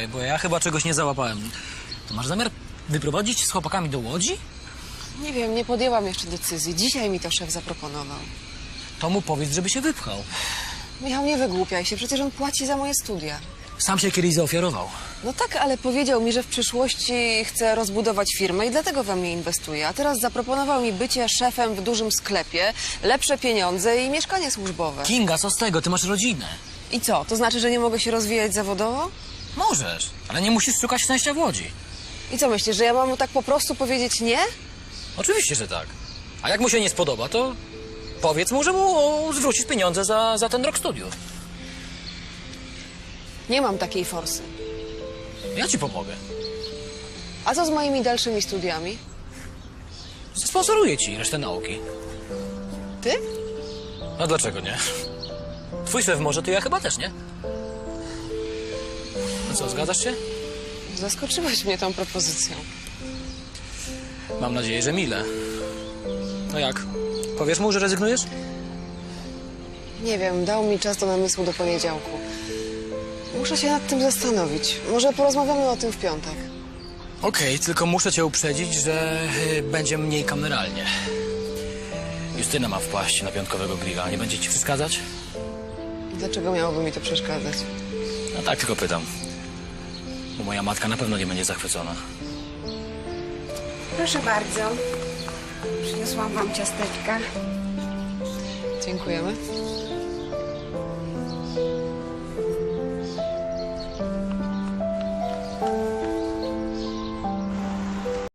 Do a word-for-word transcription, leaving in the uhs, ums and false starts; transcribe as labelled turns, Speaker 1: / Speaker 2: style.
Speaker 1: Czekaj, bo ja chyba czegoś nie załapałem. To masz zamiar wyprowadzić się z chłopakami do Łodzi?
Speaker 2: Nie wiem, nie podjęłam jeszcze decyzji. Dzisiaj mi to szef zaproponował.
Speaker 1: To mu powiedz, żeby się wypchał.
Speaker 2: Michał, nie wygłupiaj się, przecież on płaci za moje studia.
Speaker 1: Sam się kiedyś zaofiarował.
Speaker 2: No tak, ale powiedział mi, że w przyszłości chce rozbudować firmę i dlatego we mnie inwestuje. A teraz zaproponował mi bycie szefem w dużym sklepie, lepsze pieniądze i mieszkanie służbowe.
Speaker 1: Kinga, co z tego? Ty masz rodzinę.
Speaker 2: I co, to znaczy, że nie mogę się rozwijać zawodowo?
Speaker 1: Możesz, ale nie musisz szukać szczęścia w Łodzi.
Speaker 2: I co myślisz, że ja mam mu tak po prostu powiedzieć nie?
Speaker 1: Oczywiście, że tak. A jak mu się nie spodoba, to powiedz mu, że mu o, zwrócisz pieniądze za, za ten rok studiów.
Speaker 2: Nie mam takiej forsy.
Speaker 1: Ja ci pomogę.
Speaker 2: A co z moimi dalszymi studiami?
Speaker 1: Sponsoruję ci resztę nauki.
Speaker 2: Ty?
Speaker 1: A dlaczego nie? Twój szef może, to ja chyba też, nie? No co, zgadzasz się?
Speaker 2: Zaskoczyłeś mnie tą propozycją.
Speaker 1: Mam nadzieję, że mile. No jak? Powiesz mu, że rezygnujesz?
Speaker 2: Nie wiem, dał mi czas do namysłu do poniedziałku. Muszę się nad tym zastanowić. Może porozmawiamy o tym w piątek.
Speaker 1: Okej, tylko muszę cię uprzedzić, że y, będzie mniej kameralnie. Justyna ma wpaść na piątkowego grilla. Nie będzie ci przeszkadzać?
Speaker 2: Dlaczego miałoby mi to przeszkadzać?
Speaker 1: No tak, tylko pytam. Bo moja matka na pewno nie będzie zachwycona.
Speaker 3: Proszę bardzo. Przyniosłam wam ciasteczka.
Speaker 2: Dziękujemy.